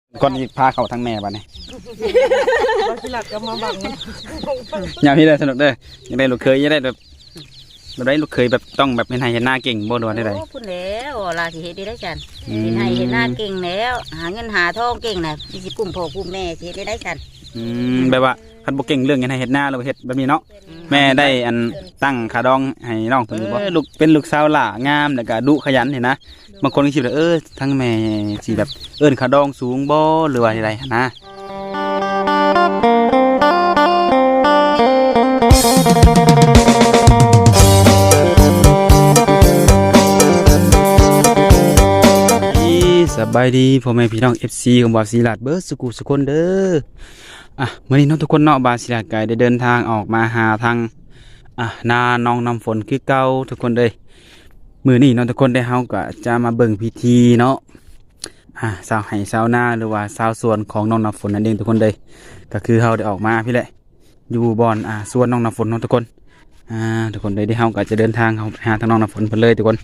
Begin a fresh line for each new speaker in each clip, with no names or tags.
ก่อนที่พาเขาทั้งแม่บ้านนี่
บาสิลัดก็มาบัง
อย่างนี้เลยสนุกเด้อยังได้ลูกเคยยังได้แบบได้ลูกเคยแบบต้องแบบเห็นหน้าเก่งบ่ดวนได้ไร
พูดแล้วลาสิเฮ็ดได้กันเห็นให้เห็นหน้าเก่งแล้วหาเงินหาทองเก่งน่ะมีสิกุ้มพ่อกุ้มแม่สิเฮ็ดได้กัน
แบบว่าคันบ่เก่งเรื่องเห็นหน้าเราเฮ็ดแบบนี้เนาะแม่ได้อันตั้งขาดองให้น้องตัวนี้บ่ลูกเป็นลูกสาวหล่างามแล้วก็ดุขยันเห็นนะบางคนก็คิดว่าทั้งแม่สิแบบขาดองสูงบ่หรือว่าอะไรนะสบายดีพ่อแม่พี่น้อง FC ของบ่าวศิลาดเบิร์ดสุกุสุคนเด้อมื้อนี้น้องทุกคนเนาะบ่าวศิลาดก็ได้เดินทางออกมาหาทางนาน้องน้ำฝนคือเก่าทุกคนเลยมื้อนี้น้องทุกคนได้เฮาก็จะมาเบิ่งพิธีเนาะชาวไร่ชาวนาหรือว่าชาวสวนของน้องน้ำฝนนั่นเองทุกคนเลยก็คือเฮาได้ออกมาพี่แหละอยู่บ่อนสวนน้องน้ำฝนเนาะทุกคนทุกคนเลยที่เฮาก็จะเดินทางหาทางน้องน้ำฝนเพิ่นเลยทุกคน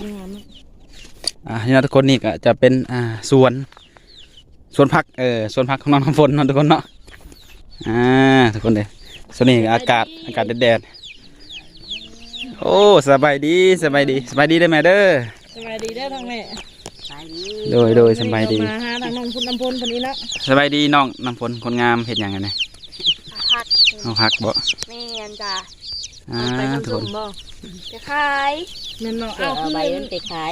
นี่นะทุกคนนี่ก็จะเป็นสวนผักสวนผักของน้องน้ำฝนเนาะทุกคนเนาะทุกคนเลยส่วนนี้อากาศแดดๆโอ้สบายดีได้ไหมเด้อ
สบายดีได้อทางแม่
โดยสบายดี
มาหาทางน้องคุณน้ำพลคนนี้นะ
สบายดีน้องน้ำฝนคนงามเห็ดอย่างไงเนี่ย
พัก
เอาผักบ่
แม่นจ้ะ
ไป
ทุก
ทำ
ค
สุ่
น
มบ่
จะขาย
แม่นเนาะ
เอาใบมันไปขาย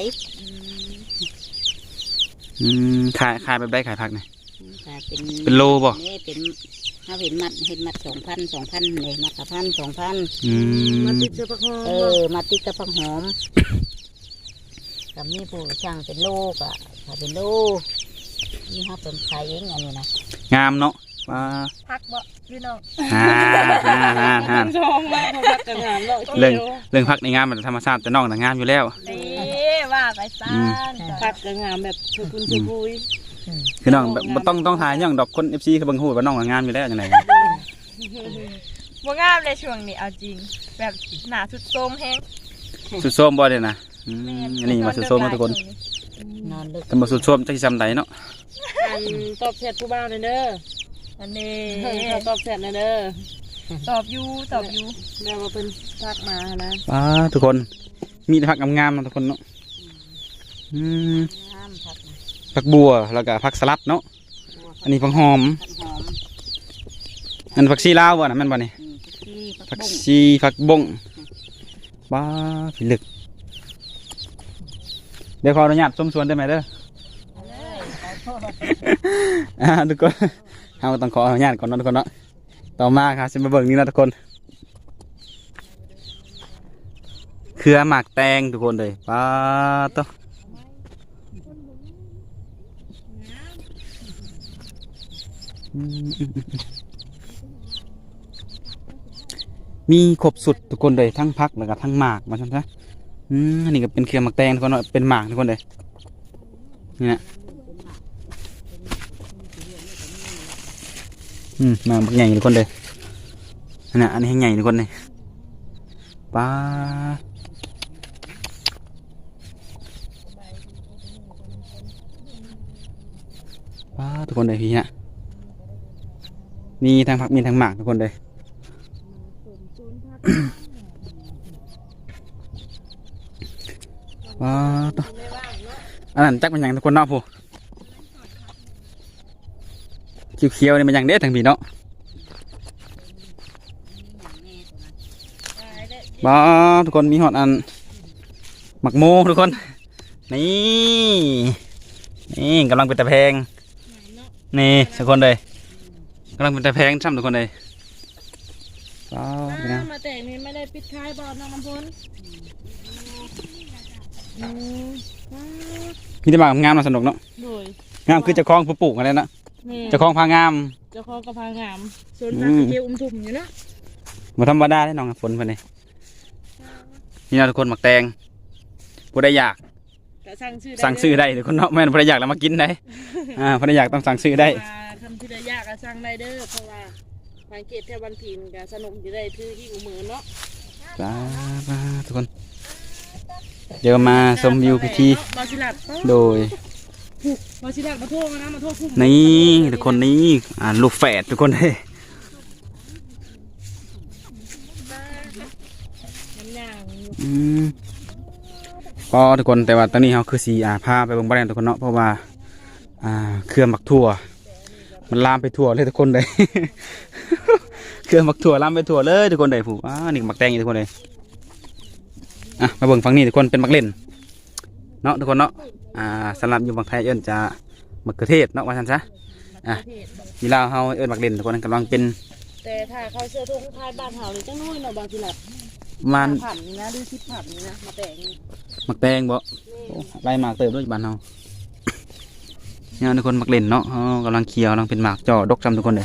ขายแบบได้ขายผักเนี่ย
เป็น
เป็นโลบ่
นี่เป็นถ้าเห็นมัด2,000เลยมัดละ1,000
มาติดเสื้อผ้าห่ม
มาติดกับผักหอมกับมีผู้ช่างเป็นโลกถ้าเป็นโลนี่ครับเป็นขายเองอันนี้นะ
งามเนาะว้า
พักบ่พี่น้อง
ฮ่า
ชองมากพอพักกันงานเนาะ
เรื่องผักในงามมันธรรมชาติแต่น้องแต่งามอยู่แล้ว
ดีว่าไปซ่านพักกันงานแบบชุกุนชุกุย
คือน้องแบบบ่ต้องถ่ายอย่างดอกคน FC เขาเบิ่งฮู้ว่าน้องงามอยู่แล้วจังได๋
บ่งามเลยช่วงนี้เอาจริงแบบหนาสุดโทรมแฮง
สุดโทรมบ่เด้นะอันนี้มาสุดโทรมทุกคน
นอนลึก
แต่บ่สุดโทรมจักสิซำใดเนาะ
ตอบแชทผู้บ่าวเด้อ
อันนี้
ตอบแชทเด้อ
ตอบอยู่
เดี๋ยวมาเป็นพักมานะ
ว้าทุกคนมีแต่ผักงามๆเนาะทุกคนเนาะ
น้ำผัก
ผักบัวแล้วก็ผักสลัดเนาะอันนี้ผักหอม
ผักหอม
อันผักชีลาวบ่น่ะแม่นบ่นี่
ที่
ผักชีผักบงบ้าผิลึกเดี๋ยวขออนุญาตชมสวนได้ไหมเด้อ ทุกคนเราต้องขออนุญาตก่อนเนาะทุกคนเนาะต่อมาครับจะมาเบิ่งนี่นะทุกคนเครือหมากแตงทุกคนเลยป้าต้อมีครบสุดทุกคนเลยทั้งพักแล้วก็ทั้งหมากมาใช่ไหมอันนี้ก็เป็นเครือหมากแตงทุกคนเนาะเป็นหมากทุกคนเลยนี่นะมาบักใหญ่ทุกคนเลยอันนี้ให้ใหญ่ทุกคนเลยป้าทุกคนเลยพี่ฮะมีทางผักมีทางหมากทุกคนเลยว้าต่ออันนั้นจักเป็นอย่างทุกคนเนาะผู้เขียวๆนี่มันอย่างเด็ดทางพี่เนาะบ้าทุกคนมีหอดอันหมักโมทุกคนนี่กำลังเป็นตะแพงนี่ทุกคนเลยกำลังเป็นตะแพงช่ำทุกคนเลย
มาแต่นี่ไม่ได้ปิดท้ายบอลน้องน้ำพล
มีแต่หมากงามๆน่าสนุกเนาะงามคือเจ้าของผู้ปลูกอะไรนะเจ้าของพางาม
เจ้าของกระพางามส่วนพักเกี่ยวทุ่มอยู่นะ
มาธรรมดาได้น้องฝนเพื่อนเลยนี่นะทุกคนหมักแตงผู้ใดอยากสั่งซื้อได้ทุกคนเนาะแม่นผู้ใดอยากแล้วมากินได้ผู้ใดอยากต้องสั่งซื้อได้
ทำที่ใดยากก็สั่งได้เด้อเพราะว่าทางเกตแถวบันพินก็สนุกอยู่ได้ถือที่หัวมือเนาะ
ทุกคนเดี๋ยวมาชมวิวพิธีโดย
ผูกมาสิลักมาโทษมานะมาโทษผู้
นี่ทุกคนนี้ลูกแฝดทุกคนเลย
น้ำยางอยู่
ก็ทุกคนแต่ว่าตอนนี้เขาคือสีพาไปเบิ่งบ้านทุกคนเนาะเพราะว่าเครือหมักถั่วมันลามไปทั่วเลยทุกคนเลย เครือหมักถั่วลามไปทั่วเลยทุกคนเลยผู้นี่หมักแตงอีกทุกคนเลยมาเบิ่งฝั่งนี้ทุกคนเป็นหมักเล่นเนาะทุกคนเนาะสำหรับอยู่บางไทยเอิ้นจะมะเขือเทศเนาะว่าซั่นซะทีลาวเฮาเอิ้นหมักเล่นทุกคนกำลังเป็น
แต่ถ้าเขาเสื้อทุ่งคายบ้านเฮาเลยจังน้อยเนาะบางทีหลับ
มัน
ผันนี่นะดูคิดผันนี่นะมาแต่งนี่
หมักแตงบ่ไล่หมากเติบด้วยบ้านเฮาเนี่ยทุกคนหมักเล่นเนาะกำลังเคี่ยวกำลังเป็นหมากจ่อดกจำทุกคนเลย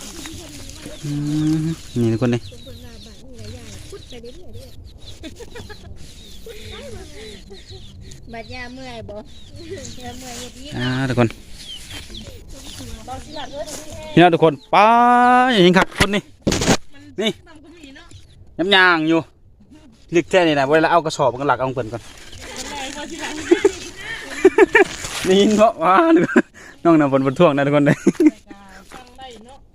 นี่ทุกคนเลย
บัดยาเมื่อยบ่ยาเมื่อยเฮ็ด
ทุกคน
บางทีหลับด้วย
นี่นะทุกคนป้าอย่างนี้ครับทุกคนนี่นี่
ทำก็มีเนาะ
ย้ำยางอยู่ลึกแท้นี่นะเวลาเอากระสอบกันหลักเอาเปิ่นก่อน
บางทีหลับ
นี่ยินเพราะว่าน้องน่ะบนท่วงนะทุกคนเลย
ฟังได้เนาะ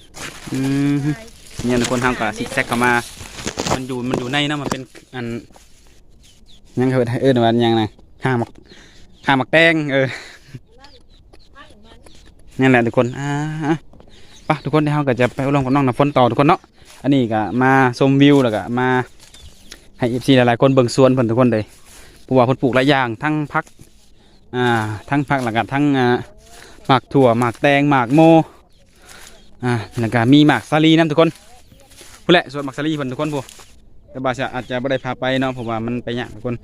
เนี่ยทุกคนทำกับซิกแซกเข้ามามันอยู่ในนะมันเป็นอันยังเขาว่ายังไงห้าหมักแตงนี่แหละทุกคนปะทุกคนที่เขาก็จะไปอบรมกับน้องน้ำฝนต่อทุกคนเนาะอันนี้ก็มาชมวิวแล้วก็มาให้เอฟซีหลายๆคนเบิ่งสวนเพิ่นทุกคนเลยเพราะว่าเพิ่นปลูกหลายอย่างทั้งพักแล้วก็ทั้งหมากถั่วหมากแตงหมากโมแล้วก็มีหมากสาลีน้ำทุกคนพูดแหละส่วนหมากสาลีเพิ่นทุกคนพูแต่บาชอาจจะไม่ได้พาไปเนาะเพราะว่ามันไปยากทุกคน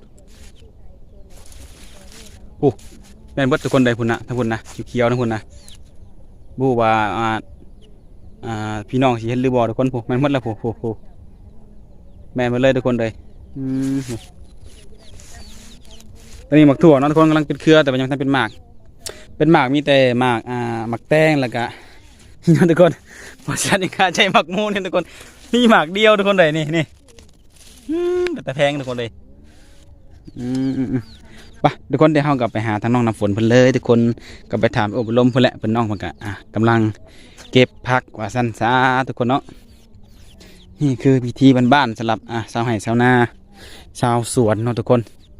พูแม่นเบิดทุกคนได้พุ่นนะทั้งพุ่นนะเขียวๆทั้งพุ่นนะบูว่าพี่น้องสิเห็นหรือบ่ทุกคนพูแม่นหมดแล้วพูแม่นหมดเลยทุกคนเลยตอนนี้หมากถั่วเนาะทุกคนกำลังเป็นเครือแต่ว่ายังทำเป็นหมากมีแต่หมากแตงแล้วก็นี่ทุกคนเพราะฉะนั้นการใช้หมากมูนี่ทุกคนมีหมากเดียวทุกคนเลยนี่แต่แพงทุกคนเลยไปทุกคนเดี๋ยวเรากลับไปหาทางน้องน้ำฝนเพิ่นเลยทุกคนกลับไปถามอบรมเพิ่นแหละเพิ่นน้องเพิ่นก็กำลังเก็บผักว่าสั้นซาทุกคนเนาะนี่คือพิธีบ้านๆสำหรับชาวไร่ชาวนาชาวสวนเนาะทุกคน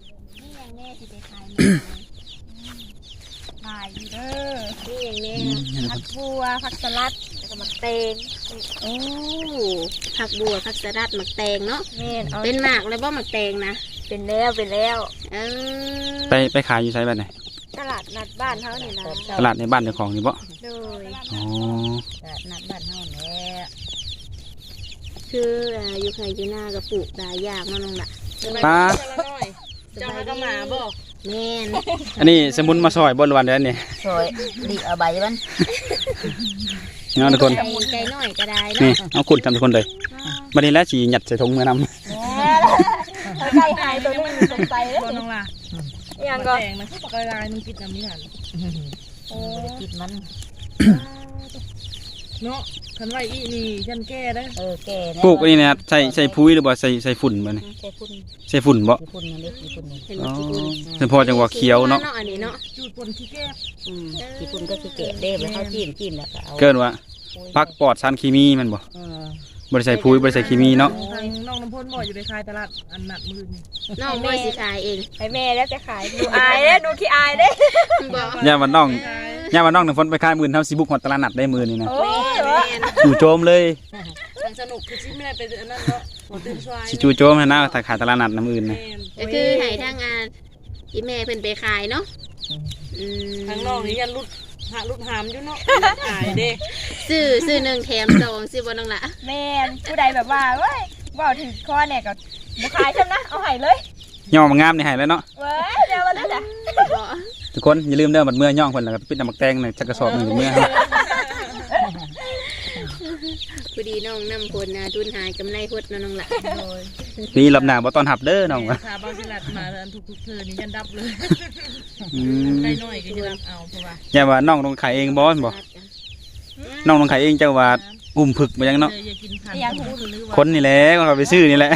ขายอยู่เด้อ
นี่อย่างนี้
ผักบัวผักสลัดแล้วก็หมักแตง
โอ้ผักบัวผักสลัดหมักแตงเนาะ
แม่นเอา
เป็นหมากเลยบ่หมักแตงนะ
เป็นแล้ว
เออ
ไปขายอยู่ไสบ้านไหน
ตลาดนัดบ้านเฮานี่นะ
ตลาดในบ้านเจ้าของนี่บ่
โดย
อ๋อ
นัดบ้านเฮาแหละคืออยู่ไคอยู่หน้าก็ปลูกหลายอย่างเนาะน้องล่ะ
ป้า
เจ้าก็มาบ่
แม่น
อันนี้สมุนมาซอยบ่หรือวันเดือนนี่
สวยดีเอาใบมัน
เนาะทุกคน
ไก่น้อยก็ได้
นี่
เนาะ
เอาขุดทำทุกคนเลยบัดนี้แล้วสิหยัดใส่ถุงมือนำ
ไก่หายตัวนึงสงสัยเด้
บ่น้องล่ะ
ยังก็
แต่งมันคือปากกาลายมันปิดน้ำนี่หัน
โอ้ยกินมัน
เนาะคันไว้อีนี่ฉันแก้ได้
แก่แน่
ปลูกอันนี้นะครับใส่ปุ๋ยหรือบ่ใส่ฝุ่นบ่นี่
ใส่พุ่น
ใส่ฝุ่นบ่
พุ่นนี่เล็กพุ่นนี่
อ๋อเฉพาะจังหวะเขียวเนาะ
อันนี้เนาะ
จูดปนขี้แก้
ขี้พุ่นก็ขี้เกะเด้ไปเขาจิ้มแล้วก็เอา
เกินว่าพักปลอดสารเคมีแมันบ่ บ่ได้ใส่ปุ๋ยบ่ได้ใส่เคมีเนาะ
ทางน้องน้ำพ่นบ่อยู่ในคายตลาดอันหนักมือนี่
น้องบ่สิขายเอง
ไอแม่แล้วจะขายดูอายเด้ดูขี้อายเด้
บ่
ย่าว่าน้องน้ำฝนไปขายมื้อเฮาสิบุกฮอดตลาดนัดได้มื้อนี้นะ
โอ้
แม่
ย
น
จู่โจมเลย
ทางสนุกคือชิไม่ได้ไปอันนั้นเนาะหัวตื่นสวาย
สิจู่โจมให้นะถ้าขายตลาดนัดน้ำอื่นนะ
ก็คือให้ทางอีแม่เพิ่นไปขายเนาะ
ทางน้องนี่ยันรุดหามอยู่เนาะขายเด้
ซื้อ1แถม2ซื้อบ่น้องล่ะ
แม่นผู้ใดแบบว่าเว้ยว่าถึงข้อเนี่ยก็บ่ขายใช่นะเอาให้เลย
ย่อมางามนี่ให้แล้วเนาะ
เว้ยเดี๋ยวมาเลยจ้ะ
บ่
ทุกคนอย่าลืมเด้อบัดเมื่อย่องเพิ่นแล้วก็ปิดน้ำมักแตงหน่อยจักกระสอบหนึงเมื่อ
พอดีน้องนำผลทุนหายกำไรพดเนาะน้องล่ะ
นี่รอบหน้าบ่ต้อนรับเด้อน้องว่ะ
ถ้าบางสิลัดมาอันทุกๆเธอนี่ยันดับเลย
อืม
ได้น้อยก็จะเอาเพราะว่า
อย่าว่าน้องต้องขายเองบ่บ่น้องต้องขายเองเจ้าว่าอุ้มผึกบ่ยังเนาะ
อย่ากินพันธุ์หรือว่า
คนนี่แหละก็เอาไปซื้อนี่แหละ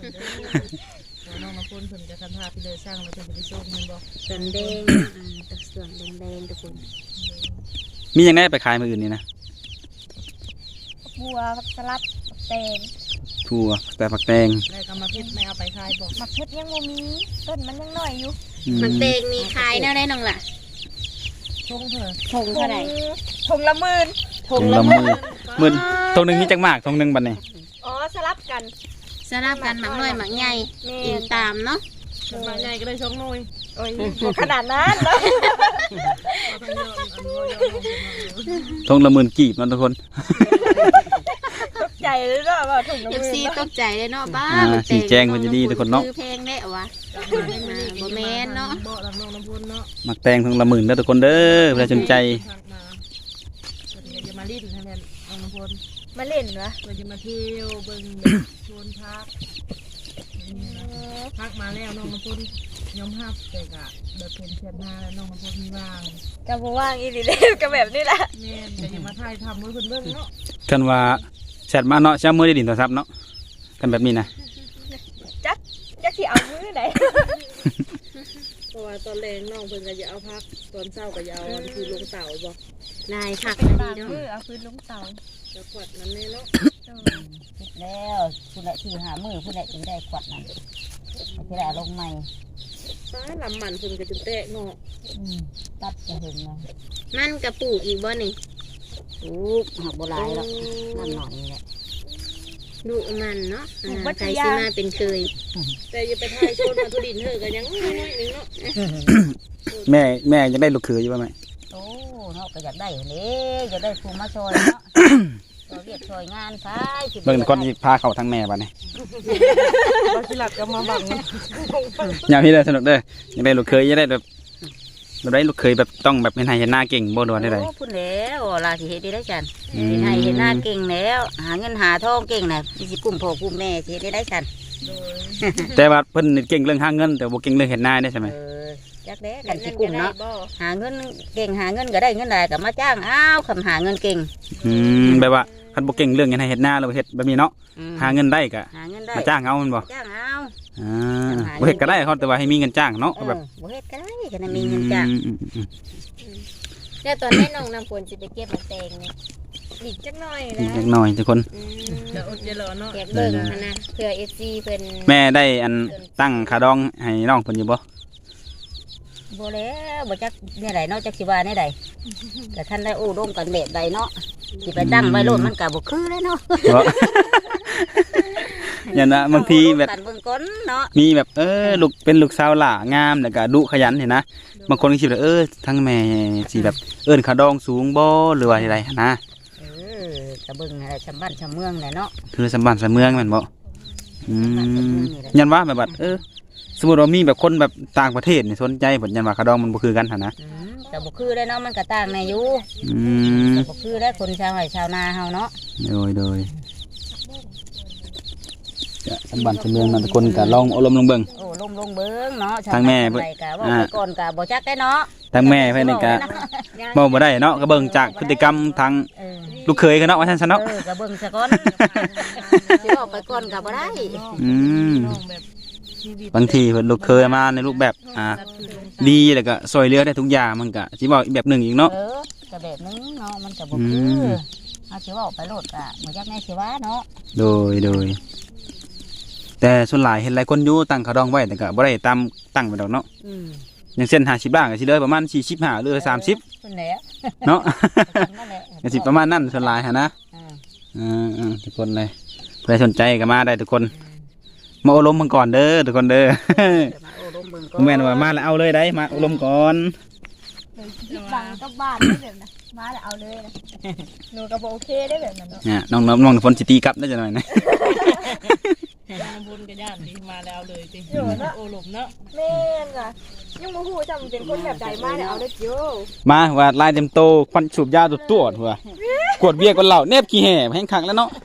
น้องมาคนเพิ่นจะคันพาพี่เลยสร้างแล้วเพิ่นจะไปส่งมันบ่
สันแดงช่วงแดงๆทุกคน
มีหยังได้ไปขายมื้ออื่นนี่นะ
บัวผักสลัดผักแตง
ถั่วแต่ผักแตง
ได้กรรมพิษไม่เอาไปขายบอก
หมักเพชรยังบ่มีต้นมันยังน้อยอยู่
มันเตงมีขายแนวได้น้องล่ะ
ชงเถอะ
ทงเท่าไหร่
ถุงละหมื่น
ทงละมื้อ
มื้อตรงหนึงมีจักมากตรงหนึงบัดนี้
อ๋อสลับกัน
สลับกันหมักน้อยหมักใหญ่
แม่
กินตามเนาะ
มาใหญ่ก็ได้ชงหน่อย
โอ้ยบ่ขนาดนั้นเนาะ
ทงละหมื่นกีบเนาะทุกคน
ตกใจเลยเนาะว่าถุงละห
เอฟ
มื่น
ซีตกใจเลยเนาะบ้า
สีแจงมันจะดีทุกคนเนาะ
คือเพลงได้เหรอวะบ่แม่นเนาะ
บ่รับน้องน้ำพุนเนาะ
มักแตงทงละหมื่นเด้อทุกคนเด้อเพื่อสนใจ
จะมาลิ้นให้แม่น้องน้ำพุน
มาเล่นวะ
เราจะมาเที่ยวเบิ่งชวนพักพักมาแล้วน้องน้ำพุนยอมรับแต่กะเดินเป็นเชียนหน้าแล้วน้องน้ำพุนมีว่าง
ก็บ่ว่างอีหลีเด้ก็แบบนี้แหละ
แม่แต่ยังมาถ่ายทำมือเพิ่นเบิ่งเนาะ
กันว่าแชทมาเนาะเช้ามือได้ดินโทรศัพท์เนาะกันแบบนี้นะ
จักสิเอามือไหน
เพราะว่าตอนแรงน้องเพิ่นก็จะเอาพักตอนเช้าก็จะเอาคือลงเต่าบ่
นายผัก
เป็น
ดี
บาง
เนาะ
มือเอาพื้นลงเตา
จะขวดน้ำแน่เนาะ
คิดแล้วผู้ใดที่หามือผู้ใดจึงได้ขวดนั้นผู้ใดลงใหม่
ฟ้าลำมันเพิ่นก็จะแตกเนาะ
ตัดจะเห็นนะมันกระปลูกอีกบ่นี่ปลูกหักโบราณหรอกนั่นหน่อยนี่แหละดูมันเนาะใครซื้อมาเป็นเคย
แต่อย่าไปถ่ายโซนมาทุดินเถอะก็ยังน้อยนึงเนาะ
แม่จะได้ลูกเขยอยู่ป่ะไหม
โอ้เนาะก็อยากได้เลยอยากได้ภูมิมาซอยเนาะเราเรียกซอยงานไป
เบิ่งก่อนที่พาเขาทั้งแม่ป่ะเนี่ย
บ่สิหลับก็มาบัง
อย่าพี่เลยสนุกเด้ออยังได้ลูกเขยอยังได้แบบได้ลูกเขยแบบต้องแบบเป็นไฮเห็นหน้าเก่งบ่ดวนได้ไร
โอ้พูดแล้วลาสิเฮ็ดได้จันเห็นให้เห็นหน้าเก่งแล้วหาเงินหาทองเก่งน่ะสิกุ้มพ่อกุ้มแม่สิเฮ็ดได้จัน
แต่ว่าเพิ่นนี่เก่งเรื่องหาเงินแต่บ่เก่งเรื่องเห็นหน้าได้ใช่ไหม
จักแด้กันสิกุ้มเนาะหาเงินเก่งหาเงินก็ได้เงินได้ก็มาจ้างอ้าวคำหาเงินเก่ง
แบบว่าคันบ่เก่งเรื่องเห็นให้เห็นหน้าเราเฮ็ดแบบนี้เนาะหาเงินได้ก็
หาเงินได้
มาจ้างเอามันบ่
จ้างเอา
บ่เฮ็ดก็ได้เขาแต่ว่าให้มีเงินจ้างเนาะแบบ
บ่เฮ็ดก็ได้ก็มีเงินจ้าง
แล้วตอนนี้น้องน้ำฝนสิไปเก็บมะแตงนี่อีกจักหน่อย
อี
นะ
กเล็กน้อยทุกคน
เดี๋ยวอดเดี๋ยวรอเนาะ
เก็บเบิ่งนะเพื่อ FC เพิ่น
แม่ได้อันตั้งค่าดองให้น้องเพิ่นอยู่บ่
บ่แล้วบ่จักเนี่ยใดเนาะจักสิว่าเนี่ยใดแต่ท่านได้โอ้ร่วมกันแบบใดเนาะสิไปตั้งไว้โลดมันก็บ่คือเลยเนาะ
อย่างนะบางทีแบบ
กันเบิ่งก้นเนาะ
มีแบบลูกเป็นลูกสาวหล่างามแล้วก็ดุขยันเห็นนะบางคนก็คิดว่าทั้งแม่สิแบบค่าดองสูงบ่หรือว่าอะไรนะ
ก็เบิ่งอะไรชำบ้านชำเมืองแหละเนาะ
คือสมบัติสมเมืองแม่นบ่ยันว่าแบบว่าสมมุติว่ามีแบบคนแบบต่างประเทศนี่สนใจผลยันว่าค่าดองมันบ่คือกันหั่นนะ
ก็บ่คือเลยเนาะมันก็ต่างแน่อยู่
ม
ก็บ่คือได้คนชาวไร่ชาวนาเฮาเนาะ
โดยจะสมบัติสมเมืองนั่นทุกคนก็ลองเอารมณ์ลงเบิ่ง
โอ้ลงเบิ่งเนาะ
ทางแม่
เพิ่นก็ว่าไปก่อนก็บ่จักได้เนาะ
ทางแม่เพิ่นนี่ก็บ่ได้เนาะก็เบิ่งจากพฤติกรรมทางลูกเขยกันเนาะว่าซั่นซะเนาะ
ก็เบิ่งซะก่อนสิออกไปก่อนก็บ่ได้
บางทีเพิ่นลูกเคยมาในรูปแบบดีแล้วก็ซอยเหลือได้ทุกอย่างมันก็สิบอกอีกแบบหนึงอีกเนาะ
ก็แบบนึงเนาะมันก็บ่คือเอาสิว่าออกไปโลดก็บ่จักแม่สิว่าเนาะ
โดยแต่ส่วนหลายเห็นหลายคนอยู่ตั้งเขาดองไว้แต่ก็บ่ได้ตามตั้งไปดอกเนาะอย่างเช่น50บาทก็สิเลยประมาณ45หรือ30
พุ่นแหละ
เนาะ
นั่นแหละ
ก็สิประมาณนั้นส่วนหลายหั่นนะทุกคนเลยเพื่อสนใจก็มาได้ทุกคนมาอบรมมันก่อนเด้อทุกคนเด้อ
มาโอ้ลมเบิ่งก่อน
แม่นว่ามาแล้วเอาเลยได้มาอบรมก่อน
บังกับบ้านได้แบบนั้นมาแล้วเอาเลยนะหนูก็บ่โอเคได้แบบนั้นเนาะ
เนี่ยน้องฝนสิตีกลับได้จังหน่อยนะ
น้ำพุนก็ย่านดีมาแล้วเลยติโอ้หลบเนาะ
แม่นจ้ะยังบ่ฮู้จำเป็นคนแบบใดมาแล้วเอาเลยโย
มาว่าลายเต็มโตควันสูบยาตัวหัวกวดเบียร์กันเหล่าเนบขี้แห่แห้งขังแล้วเนาะ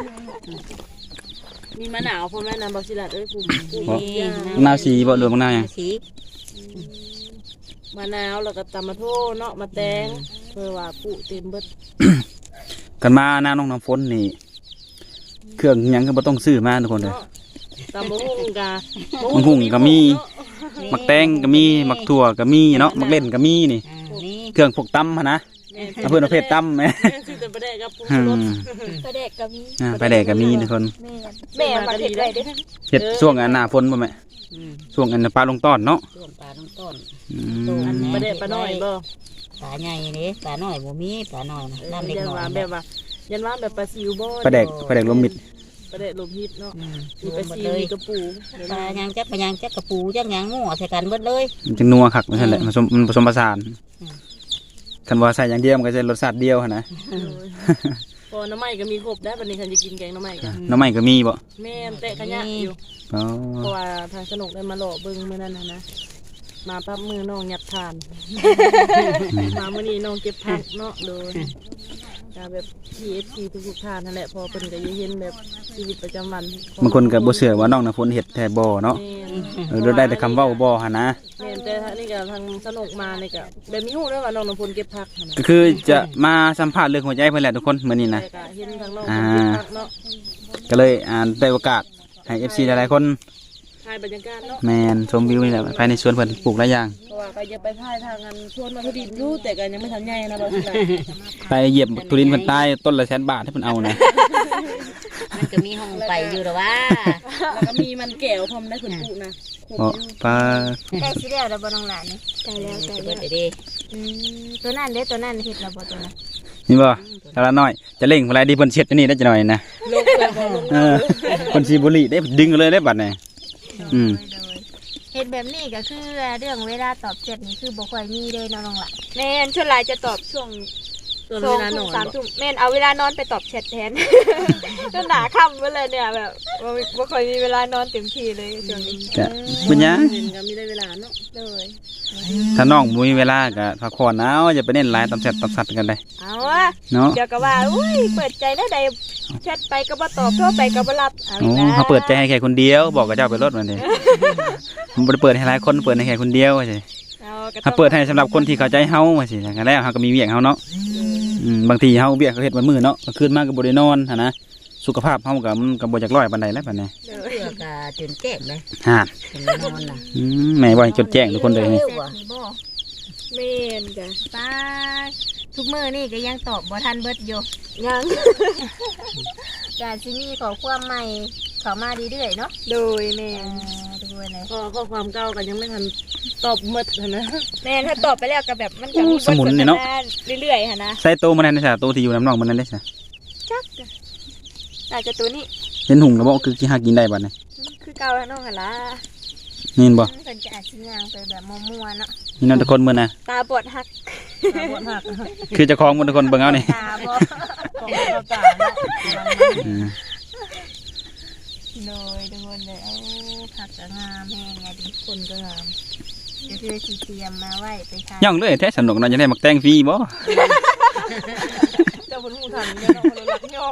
มีมะนาวพ่อแม่นำบักสิลัดภูมิ
มะนาวสีบ่หรือมะนาวหยัง
สี
มะนาวแล้วก็ตำมะโถเนาะมาแตงเพื่อว่าปุเต็มเบิด
กันมาหน้าน้องน้ำฝนนี่เครื่องหยังก็บ่ต้องซื้อมาทุกคนเลย
ตำมะฮุ่งกะ
มะฮุ่งก็มีมักแตงก็มีมักถั่วก็มีเนาะมักเล่นก็มีนี่
นี่
เครื่องพวกตำหั่นนะเอาเพิ่นเอาเพชรตำแหม
คือแต่ประเด็กับปู
อื
รส
ม
ประเด็กก็มี
ไปแดกก็มีทุกคน
แม่มาเห็ดได้เด้
เฮ็ดช่วงอันหน้าฝนบ่แม่ช่วงอันปลาลงต้อนเนาะ
ช่วงปลาต้องต้น
อืม
ประเด็ปลาน้อยบ่
ปลาใหญ่นี่ปลาน้อยบ่มีปลาน้อยนะน้ำเล็ก
ยัน
น้อ
ว่าย แบบว่ายันว่าแบบปลาซิวบ่
ปลาแดกลมมิด
ประเด็ลมฮิตเนาะมี
ร
ป
ว
ลาม
หมด
ซิ
เล
วย มีกระปู
ปลายังจักกระปูจักหยังงัวใส่กันเบิดเลย
มันจึงนัวคักว่าซั่นแหละมันผสมผสานคันว่าใส่อย่างเดียวมันก็จะรสชาติเดียวหั่นนะ
พอน้ำไม้ก็มีครบได้บัดนี้ฉันจะกินแกงน้ำไม้กัน
หน้ำไม้ก็มีบ่
แม่เตะขยะอยู่
อ๋อ
เพราะว่าทางสนุกได้มาหล่อเบิ่งมื้อนั้นนะมาปั๊บมือน้องยัดทาน มามื้อนี้น้องเก็บผักเนาะโดยแบบ PFC ทุกๆทานนั่นแหละพอเพิ่นก็เห็นแบบชีวิตประจำวัน
บางคนก็บ่เชื่อว่าน้องน้ำฝนเฮ็ดแท้บ่เนาะเราได้แต่คำเว้าบ่หั่นนะ
แม่นแต่นี่ก็ทางสนุกมานี่ก็แบบมีฮู้ด้วยว่าน้องน้ำพลเก็บผักหั่น
ก็
น่ะ
คือจะมาสัมภาษณ์เรื่องหัวใจเพิ่นแหละทุกคนมื้อนี้นะ
แต่ก็เห็นทางน้องเพิ่นเก็บผักเนาะ
ก็เลยได้โอกาสให้ FC หลายๆคน
ถ่ายบรรยากาศเนาะ
แม่นชมวิวนี่แหละภายในสวนเพิ่นปลูกหลายอย่าง
เพราะว่าก็จะไปถ่ายทางอันชวนมาทุดินอยู่แต่ก็ยังไม่ทันใหญ่นะบ่สิล่ะ
ไปเหยียบทุรินเพิ่นตายต้นละ100,000 บาทให้เพิ่นเอานะ
มันก็มีห้องไปอยู่หรอวะ
แล้วก็มีมันแก้วพร้อมได้ผลปลูกนะ
เพราะปลา
ใกล้สิแล้วบ่น้องหลานนี่ใกล้แล้วใกล้
เบิ
แล้
ด
ว
เด้
ตัวนั้นเด้ตัวนั้นเฮ็ดแล้วบ่ตัวนั้น
นี่บ่ตาละน้อยจะเล่งเวลาที่เพิ่นเช็ดอันนี้ได้จักหน่อยนะ
ลงเลยบ่ลง
เออเพิ่นสิบุหรี่ได้ดึงเลยได้บัดนี้อืม
เฮ็ดแบบนี้ก็คือเรื่องเวลาตอบแชทนี่คือบ่ค่อยมีเลยน้องหลานแม่นส่วนหลายจะตอบช่วง
ส่วน
สอ
เว
ง
ลาหน
ทุ่
อ
ม
น
สามทุ่มแม่นเอาเวลานอนไปตอบแชทแทน จนหนาค่ำไปเลยเนี่ยแบบบ่ค่อยมีเวลานอนเต็มที่เลยช่วงนี้
ก็เป็นหยัง
เห็นก็มีได้เวลาเนาะ
เลย
ถ้าน้องบ่มีเวลาก็พักผ่อนเอาอย่าไปเน้นหลายตามแชทตามสัตว์กันเลย
เอาวะ
เนาะ
เดี๋ยวก็ว่าอุ้ยเปิดใจได้ใดแชทไปก็บ่ตอบโทรไปก็บ่รับเอา
โอ้
อีกแล้ว
เขาเปิดใจให้แค่คนเดียวบอกกับเจ้าไปรถมันดิมันบ่ได้เปิดให้หลายคนเปิดให้แค่คนเดียวว่าสิ
เอาก็
ถ้าเปิดให้สำหรับคนที่เข้าใจเฮาว่าสิอย่างนั้นแล้วเฮาก็มีเวียกเฮาเนาะบางทีเฮาเวียกเขาเฮ็ดวันมื้อเนาะก็คืนมาก็บ่ได้นอนหั่นนะสุขภาพเฮาก็มันก็บ่จักร้อยปานใดแล้วปานนี้
เสือกะจนแจ้งเลย
ฮะ
เป็นนอนน่ะ
แม่บ่ให้จดแจ้งทุกคนเลยนี่
แชทนี่บ่แม่นจ้ะป้าทุกมื้อนี่ก็ยังตอบบ่ทันเบิดอยู่ยัง ก็สิมีขอความใหม่เข้ามาเรื่อยๆเนาะโดยแม่ด้วยเลย
ก็ข้อความเก่ากันยังไม่ทันตอบหมดนะ
แม่ถ้าตอบไปแล้วก็แบบมันจะมี
สมุนนี่เนาะ
เรื่อยๆค่ะนะ
ใส่โตมันนั่นซะโตที่อยู่น้ำน้องมันนั่นได้ซะ
จักอาจจะตัวนี้
เห็นหุงแล้วบ่คือสิหากินได้บัดนี้
คือเก่าแล้วน้องหั่นล่ะ
นี่เห็นบ่
เพิ่นจะอาจสิย่างไปแบบมั่วๆเนาะ
นี่น้องทุกคนมื้อน่ะ
ตาบอดหัก
หมดหัก
คือเจ้าของหมดทุกคนเบิ่งเอานี่
ตาบอด
ของเราตาเนาะ
อืม
โดยทุกคนเลยเอ้าผักก็งามแห้งไงดิ
คนก็งาม
เดี๋ยวคือสิเตรียมมาไว้ไปทาน
ย่องเลยแท้สนุกเนาะจะได้มักแต่งฟรีบ่
เจ้าคนหูทันเนี่ยเนาะคนรักย่อง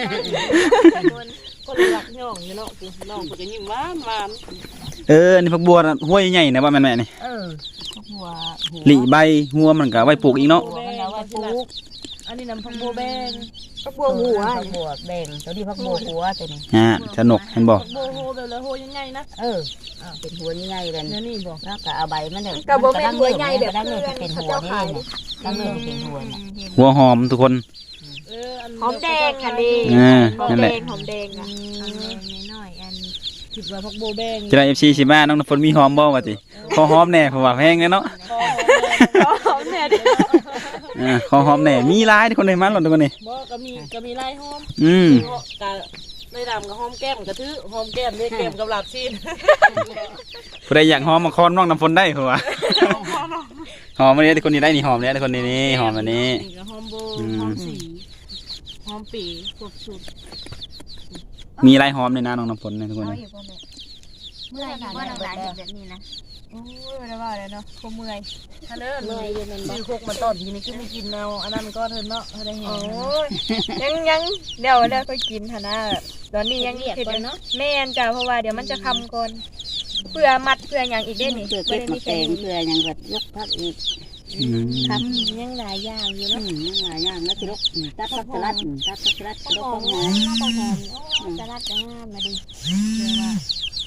คนรักย่องเนี่ยเนาะคือน้องคนจะยิ้มหวานหวาน
นี่ผักบัวน่ะห้วยใหญ่นะว่าแม่นๆนี่
หัว
หลีใบหัวมันก็เอาไว้ปลูกอีกเนาะ
มันเอาไว้ปลูก
อันนี้น้ำพักบัวแบง
ก็บัวหัว
พักบัวแดงตัวนี้พักบัวหัวตัวนี้
สนุกเห็นบ่
พักบัวโฮแบบละโฮยังไงนะ
เป็นหัวใหญ่ๆเลย
เนี่ยนี่บอก
แล้วก็เอาใบมันเนี่ย
ก็บ่แม่นหัวใหญ่แบบ
ตั้ง
เพื่
เนื้
อ
อน เป็นหัว
เจ้า
นี่
ขาย
เนี่ยตั้งเนื้อเป็นหัวน่ะ
หัวหอมทุกคน
หอมแดงค่ะดี หอม
นั่น
แด
แหละ
งหอมแดงอ่ะน้อยๆอัน
คิดว่าพักบัวแบง
จะได้ FC สิมาน้องน้ำฝนมีหอมบ่ว่าติขอหอมแหน่เพราะว่าแพงเนาะ
หอมแน่ดิ
ขอหอมแหน่มีหลายทุกคนเลยมาหล่นทุกคนนี่
บ่ก็มีลายหอม
อืม
กะไม่ดำกับหอมแก้มกระทือหอมแก้มเรียกแก้มกับหลับซีน
ผู้ใดอยากหอมมาคอนน้องน้ำฝนได้เพราะว่าหอมอันนี้ทุกคนนี่ได้นี่หอมแล้วทุกคนนี่หอมอันนี้
นี่ก็หอมโบหอมสีหอมปีครบสุด
มีหลายหอมเลยนะน้องน้ำฝนเนี่ยทุกคน
เอา
นี่
อยู่บ่แม่เมื่อยอยู่บ่น้องหลานเห็นแบบนี้นะโอ้ยบ่ได้ว่าเลยเนาะคงเมื่อยถ้าเลิศ
เมื่อยเย็นมันมีโคกมาต้อนทีนี้ก็ไม่กินแนวอันนั้นก็เธอเนาะเธอได้เห็น
โอ้ยยังเดี๋ยวค่อยกินหั่นนะตอนนี้ยังเฮ็ดเนาะแม่นจ้ะเพราะว่าเดี๋ยวมันจะคำก่อนเพื่อมัดเพื่อหยังอีกเด้นี่
เกลือเก็บมาแตงเกลือยังแบบยกพักอีก
คำยังหลายอย่างอยู่เนาะ
ยังหลายอย่างแล้วที่ลกตัดผักสลัดตัดผักสลัด
ข้าว
ลก
หอ
ข้าว
ม
หอม
ข้าวหอมสลัดจะงามมาดิเดี๋ยวว่า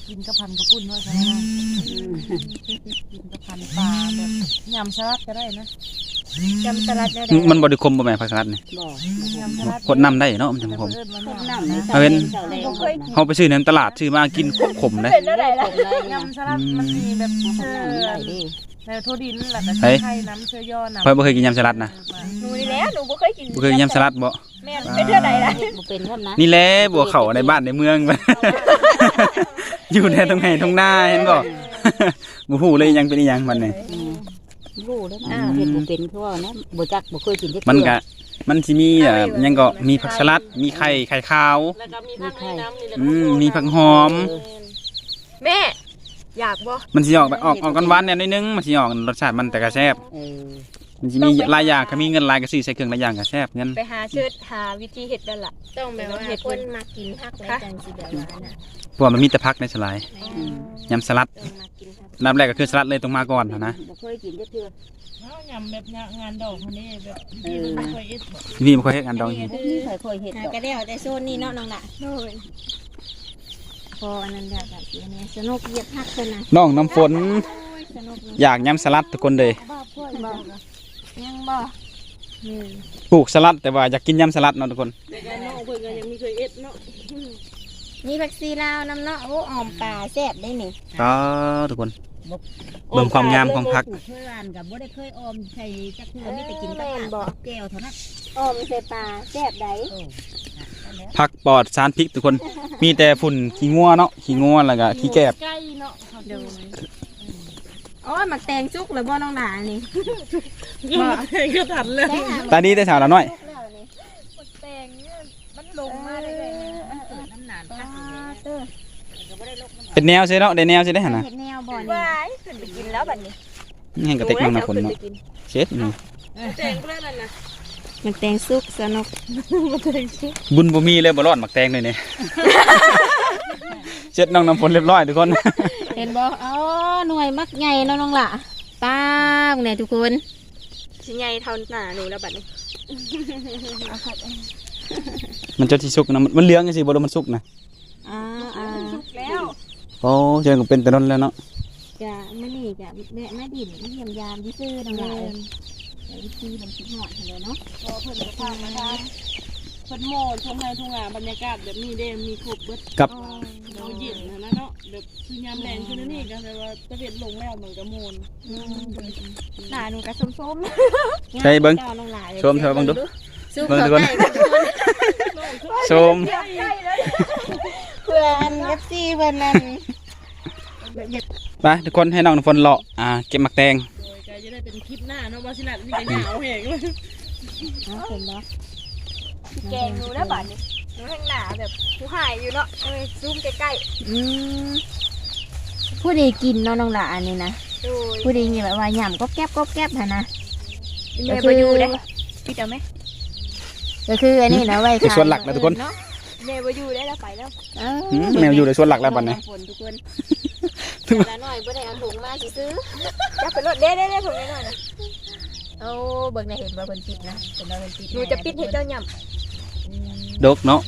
กินกับพันกระปุ่นด้วยใช่ไหมกินกับพันปลาแบบยำสลัดก็ได้นะ
จำสลัดได้
มันบ่ได้คมบ่แม่ผักสลัดนี่
บ่
ยำสลัด
กดน้ำได้เนาะมันจังคม
น้ำนี่
เอาเป็น
บ่เคย
เฮาไปซื้อในตลาดซื้อมากินขมๆเด้
เป็นได้ล่ะ
ยำสลัดมันมีแบบเชื่อ
ได้ดิ
แล้วทั่วดินแหละแต่ไข่น้ำเชื่อย่อน้ำ
ข่อยบ่เคยกินยำสลัดนะ
หนูนี่แหละหนูบ่เคยกิน
บ่เคยกินยำสลัดบ่
แม่นเป็นเท่าใดล่ะ
เฮ็ดบ่เป็นครับนะ
นี่แหละบัวเขาในบ้านในเมือง อยู่ในตรงไหนตรงหน้าเห็นบ่ บ่ฮู้เลยยังเป็นอีหยังมันนี่
รู้แล้วนะเฮ็ดบ่เป็นคือว่านะบ่จักบ่เคยกินจัก
มันก็มันสิมียังก็มีผักสลัดมีไข่ขาว
แล้วก็มีผักให้น้ำนี่แหละ
มีผักหอม
แม่อยากบ่
มันสิออกแบบออกกันหวานๆเนี่ยนิดนึงมันสิออกรสชาติมันแต่ก็แซ่บ มันสิมีหลายอย่างก็มีเงินหลายก็ซื้อใส่เครื่องหลายอย่างก็แซ่บเงิน
ไปหาเชิดหาวิธีเฮ็ดนั่นล่ะ
ต้องแบบว่าคนมากินผักแล้วจังสิแบบว่าน่ะ
เพราะว่ามันมีแต่ผักในสลาย
อืม
ยำสลัด
ต้องมากินผัก
อันดับแรกก็คือสลัดเลยต้องมาก่อนนะ
บ่เคยกินจักเทื่อ
ยำแบบงานดอกคนนี้แบบที่มันไม่เคยเอ็ดบอก
พี่บ่ค่อยเฮ็ดอันดองอยู่
บ่มีใครเคยเฮ็ด
หา
ดอก
ก็ได้เอาแต่โซนนี้เนาะน้องละ
โอ้ย
พออันนั้นอยากแบบนี้สนุกเหยียบผักเพิ่นน่ะ
น้องน้ำฝน
สนุกเนาะ
อยากยำสลัดทุกคนเลย
ยังบ่
ปลูกสลัดแต่ว่าอยากกินยำสลัดเนาะทุกคน
แต่ก็น้องเพิ่นก็ยังไม่เคยเอ็ดเนาะ
มีผักซีลาวน้ำเนาะโอ้ออมปลาแซ่บได้นี่
ก็ทุกคน เบิ่งความงามของผัก
เคยหวานกับบ่ได้เคยออมใส่จักเทื่อมีแต่กินกับแก้วเท่านั้น
ออมใส่ปลาแซ่บได้
ผักปลอดสารพิษทุกคน มีแต่ฝุ่นขี้งัวเนาะขี้งัวแล้วก็ขี้แกบ
ใกล้เนาะเขาเดิน
โอ้ยหมักแตงจุกเลยบ่น้องหลานี่
ก็ทันเลย
ได้หา
ตาดีแต่สาวละน้อย
จุกแล้วนี่
แตงเนี่ยมันลงมาได้เลยนะ
น้ำหนานพัก
เต้อ
เป็นแนวใช่เนาะได้แนวใช่ได้หั่นน่ะ
เห็ดแนวบ่นี่
ว้ายขึ้นไปกินแล้วบัดนี้
นี่ให้กระเต็กน้องน้ำฝนเนาะเช็ดนี่
แจงเพื่อนนั่นนะ
หมักแตงสุกสนุก
บุญบ่มีเลยบ่รอดหมักแตงเลยนี่ เช็ดน้องน้ำฝนเรียบร้อยทุกคน
เห็นบ่อ๋อหน่วยมักใหญ่เนาะน้องหล่ะป้าบเนี่ยทุกคน
สิใหญ่เท่าหน้าหนูแล้วบัดนี้
มันจะที่สุกนะมันเหลืองจังซี่บ่รู้มันสุกนะ
อ่าอ่า
แล้ว
โอ้เจอก็เป็นแต่นนแล้วเนาะ
จะไม่นี่จะแม่มาดินมาเยี่ยมยามที่ซื้อน้องหล่ะวิธีมันคิดหอดเลยเนาะ
พอเพิ่นก็พามาทานเพิ่นโมดทุ่งไร่ทุ่งนาบรรยากาศแบบนี้เด้มีครบเบิด
กับ
เราเย็นนะเนาะแบบคือยามแรงคือนี่ก็แต่ว่าตะเวนลงแล้วเหมือนกับโมน
หน้าหนูก็ส้ม
ใช่เบิ่ง
เจ้าน้องหล่ะ
ชมเธอเบิ่งดู
สู้
เบิ่ง
เขา
ทุกคน
ใกล้
ชม
เพื่อนเอฟซีเพื่อนนั่น
ไปทุกคนให้น้องน้ำฝนเลาะเก็บหมักแตง
โดยก็จะได้เป็นคลิปหน้าเนาะว่าสิลัดนี่ก็ยาวแหงเลย
เอาเห็นบ่
ๆแกงหนูแล้วบัดนี้หนูข้างหน้าแบบผู้หายอยู่เนาะเอ้ยซูมใกล้
อืมผู้ใดกินเนาะน้องหล่ะอันนี้นะ
ๆโดย
ผู้ใดนี่แบบว่าหย่ำก็แก๊บหั่นนะ
แม่บ่อยู่เด้พี่เอาไหม
ก็คืออันนี้นะไว้
ไปสวนหลักนะทุกคน
เนาะ
แม่บ่อยู่ได้แล้วไปแล้ว
เออ
แมวอยู่ในสวนหลักแล้วบัดนี้
ฝนทุกคน
แล้วหน่อยบ่ได้เอาถุงมาสิซื้อจะไปรถเด้ๆๆถุงน้อยๆนะ
เอาเบิ่งในเห็นว่าเพิ่นปิดนะเห็นว่าเพิ่นปิด
หนูจะปิดให้เจ้าย่ำ
ดกเนาะ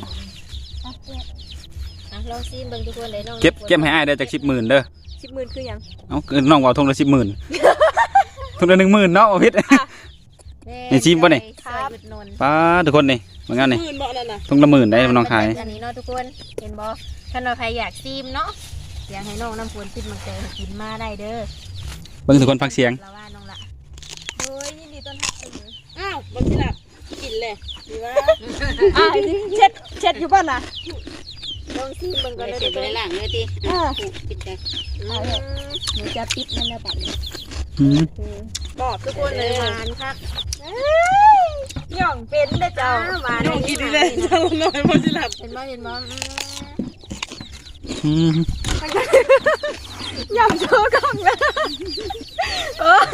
อ่ะลองซิมเบิ่งทุกคนเลยน้อง
เก็บให้อ้ายได้จาก10,000เด้อ
10,000คือหยัง
เอาน้องว่าทงละ10,000ทงละ10,000เนาะโอ้พิษ นี่ซิมบ่นี่
ครับนน
ป้าทุกคนนี่เหมือนกันนี่
มื่นบ่นั่นน่ะ
ทงละ10,000ได้น้องขาย
อันนี้เนาะทุกคนเห็นบ่ถ้าเราใครอยากซิมเนาะอยากให้น้องน้ำฝนซิมมันเจอกินมาได้เด้อ
เบิ่งทุกคนฟังเสียง
เราว่าน้องละ
เฮ้ยยินดีต้อนรับเสมอ
อ้าวบ่สิลัดกินเลยดีว่า
เช็ดอยู่บ้านน่ะลองซิมเบิ่งก่อน
ได้
เลย
เสร็จไปล้างเลยติปิดได้
หนูจะปิดมันแล้วบัดนี้
บอกทุกคนเลยหวานคักย่องเป็นเด้อเจ้าหวาน
น้องกินดีเลยจังหน่อยบ่สิลัด
เห็นบ่เห็นบ่
ย่ำโชว์กล้องเลยโอ้ย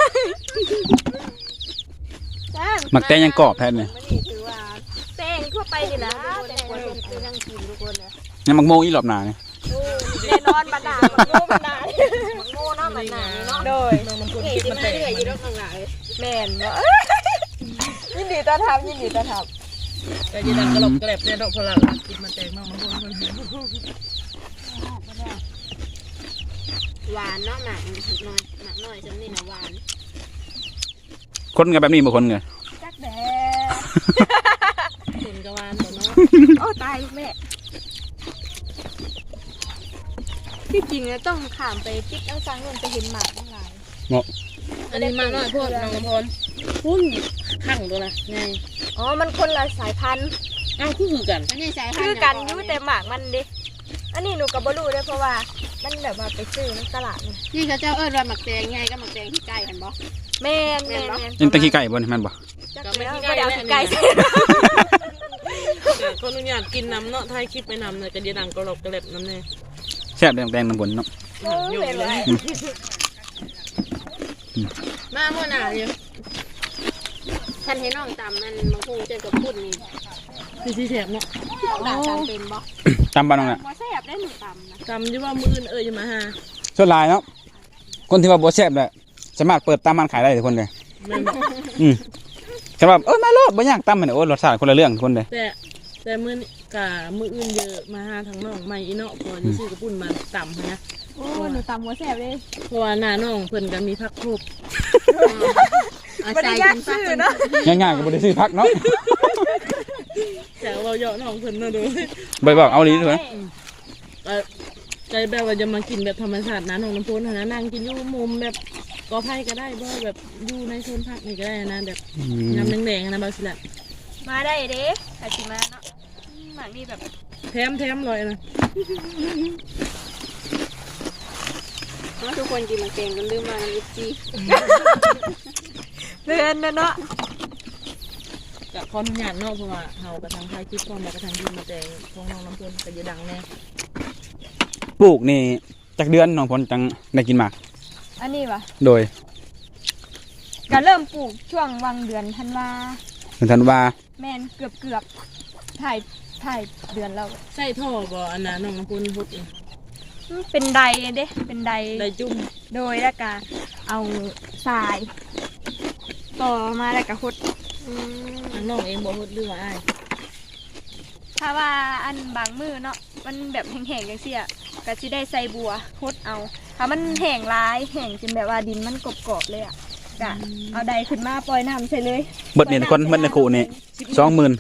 หมักแตงยังกรอบแท้เนี่ย
มันนี่ถือว่าแตงทั่วไปนี่นะแตงคนเป็นนั่งกินทุกคนเลย
ยังหมักโมอีหลอบหนาเนี่ย
แน่นอนบรรดาบักโง่บรรดาบักโง่เนาะบรรดาเนาะโดย
มันคนคิดมันแตก
อยู่รถข้างหลัง
แม่นเนาะยินดีต้อนรับยินดีต้อนรับ
แต่ยีดันกระหลบกระแหลบเนี่ยดอกพลังกินมันแตกมากมันคน
หวานเนาะหมากน้อยหมากน้อยจังนี่นะหวาน
คนกันแบบนี้บ่คนกัน
จักแด
ขุนกะวานบ่เนาะ
โอ้ตายลูกแม่ที่จริงอะต้องข้ามไปติ๊กเอาฟังนู่นจะเห็นหมากทั้งหลาย
อันนี้มากน้อยโพดน้องน้ำพลพุ่นขังตัวละไง
อ๋อมันคนละสายพันธุ์
อ้าวคือกัน
อันนี้สายพัน
คือ
ธุ์
กันอยู่แต่หมากมันดิอันนี้หนูก็บ่รู้เด้อเพราะว่ามันแบบว่าไปซื้อในตลาดนี่
นี่เขาเจ้าเอิ้นว่าหมักแตงไงก็หมักแตงที่ใกล้กันบ่
แม่นแม่น
ยังตะขี้ไก่บ่นี่แม่นบ่
จักแล้วบ่ได้เอาขี้ไก่ใส่
คนอนุญาตกินน้ำเนาะถ่ายคลิปไปน้ำเลยกระเดียดังกระหลบกระเล็บน้ำเนี่ย
แซ่บแดงๆน้ำบนเนาะ
โอ้ยแม่นเลย
มาเมื่อหนาอยู่ท่านให้น้องตำมันบางคงเจอกับพุ่นนี่
คือที่แสบเนาะ
ด่าตำเป็นบ่
ตำบ้านน้องน่ะ
บ่แซ่บได้หนูตำนะ
ตำที่ว่ามืออื่นจะมาหา
ส่วนหลายเนาะคนที่ว่าบ่แซ่บแหละสามารถเปิดตามร้านขายได้ทุกคนเลย
แม่นบ่
แต่ว่ามาโลดบ่ยากตำมันโอ้รสชาติคนละเรื่องทุกคนเลย
แต่มือนี่กะมืออื่นเยอะมาหาทางน้องใหม่อีเนาะพอที่ซื้อกระปุ่นมาตำนะ
โอ้หนูตำบ่แซ่บเลย
เพราะว่าหน้าน้องเพิ่นก็มีพักครบ
บ่ได้ยากซื้อเนาะ
ง่ายๆก็บ่ได้ซื้อพักเนาะ
แต่เราเยาะน้องเพิ่นเนาะดู
บ่บอกเอาลีด้วย
ใจแบบว่าจะมากินแบบธรรมชาตินะน้องน้ำพุนะนั่งกินอยู่มุมแบบกอไผ่ก็ได้บ่แบบอยู่ในโซนพักนี่ก็ได้นะแบบน้ำแดงๆนะบาสิละ
มาได้เด้ถ้าสิมาเนาะหมากนี่แบบ
แถมเลยนะ
ทุกคนกินหมักแตงกันลืมมาน้ำยิบจี
เพื่อนเนาะ
กับขออนุญาตเนาะเพราะว่าเฮากระทังไทยคลิปพร้อมแล้วกระทังกินมาแต่ของน้องน้ำพุก็จะดังแน่
ปลูกนี่จักเดือนน้องพลจังได้กินหมาก
อันนี้วะ
โดย
ก็เริ่มปลูกช่วงวังเดือนธันวา
ถึงธันวา
แม่นเกือบถ่ายเดือนแล้ว
ใส่ท่อบ่อันน่ะน้องน้ำพุพุดนี่
เป็นใดเด้เป็นใด
ได้จุ่ม
โดยแล้วก็เอาทรายต่อมาแล้วก็หด
ทางน้องเองบ่พุดหรือว่าอ้าย
ถ้าว่าอันบางมือเนาะมันแบบแห้งๆจังซี่อะก็สิได้ใส่บัวหดเอาถ้ามันแห้งร้ายแห้งจนแบบว่าดินมันกรอบๆเลยอะก็เอาใดขึ้นมาปล่อยน้ำใส่เลย
เบิดนี่ทุกคนเบิดในคูนี่20,000
20,000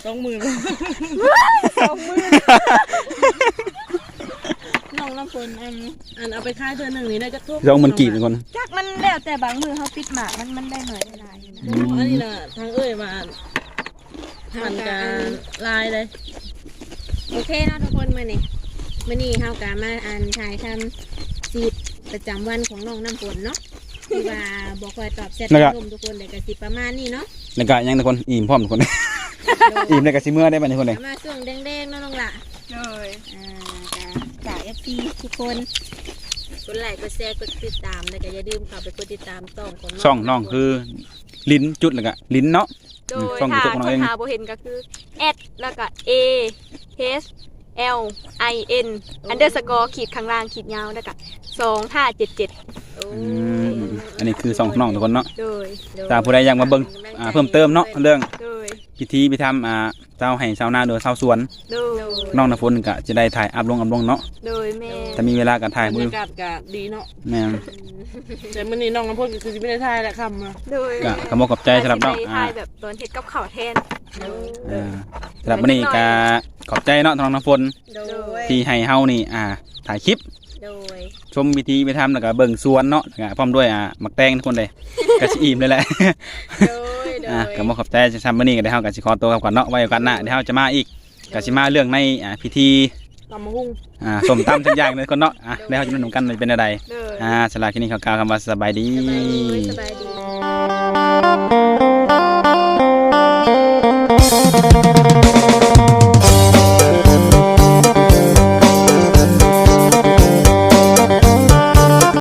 น้องน้ำพุอันเอาไปขายเทื่อหนึงนี่ได้จักทุก
20,000กีบทุกคน
จักมันแล้วแต่บางมือเขาปิดหมากมันได้หน่อยได้หลายนะ
อันนี้น่ะทางเอ้ยมามันจะลายเลย
โอเคเนาะทุกคนมื้อนี้เฮากะมาอ่านถ่ายทำชีวิตประจำวันของน้องน้ำฝนเนาะที่ว่าบ่ค่อยตอบแชทลมทุกคนเลยก็สิประมาณนี้เนาะ
แล้วก็ยังทุกคนอิ่มพร้อมทุกคน อิ่มแล้วก็สิเมื่อได้บัดนี้ทุกคนเลย
มาช่วงแดงๆเนาะน้องละ
เลย
จาก FC ทุกคนกดไลค์กดแชร์กดติดตามแล้วก็อย่าลืมเข้าไปกดติดตามของ
ช่องน้องคือลิ้นจุดแล้วก็ลิ้นเนาะ
โดย
ช่อง
ถ้า
YouTube ของเราเอง
หาโบเห็นก็คือแอดแล้วก็ A H L I N underscore ขีดข้างล่างขีดยาวแล้วก็2577
โอ้
อันนี้คือช่องของน้องทุกคนเนาะ
โดย
ถ้าผู้ใดอยากมาเบิ่งเพิ่มเติมเนาะเรื่อง
โดย
พิธีพิธรรมเจ้าให้ชาวนาโดยชาวสวน
โดย
น้องน้ำฝนก็จะได้ถ่ายอัพลงเนาะ
โดยแม่
ถ้ามีเวลาก็ถ่าย
บร
มื
ร
อ
ยากาศก็ดีเนาะ
แม่น
แต่มื้อนี้น้องน้ำพุก็คือสิไม่ได้ถ่ายแหละคำมา
โดย
ก็ขอบคุณขอบใจสำหรับน้อง
ไปถ่ายแบบตอนเฮ็ดกับข้าวแทน
สำหรับวันนี้ก็ขอบใจเนาะน้องน้ำฝน
โดย
ที่ให้เฮานี่ถ่ายคลิป
โดย
ชมพิธีพิธรรมแล้วก็เบิ่งสวนเนาะแล้วก็พร้อมด้วยหมักแตงทุกคนเลยก็สิอิ่มเลยแหละ
โดยโดย
ก็บ่ขอบใจสำหรับมื้อนี้ก็ได้เฮาก็สิขอตัวกลับก่อนเนาะไว้โอกาสหน้าเดี๋ยวเฮาจะมาอีกก็สิมาเรื่องในพิธี
ตำมะฮุ่ง
ส้มตำทุกอย่างเลยคนเนาะเดี๋ยวเฮาจะมาดูกันว่าเป็นอะไร
เลย
สำหรับคลิปนี้ขอกล่าวคำว่าสบายดี
สบายดี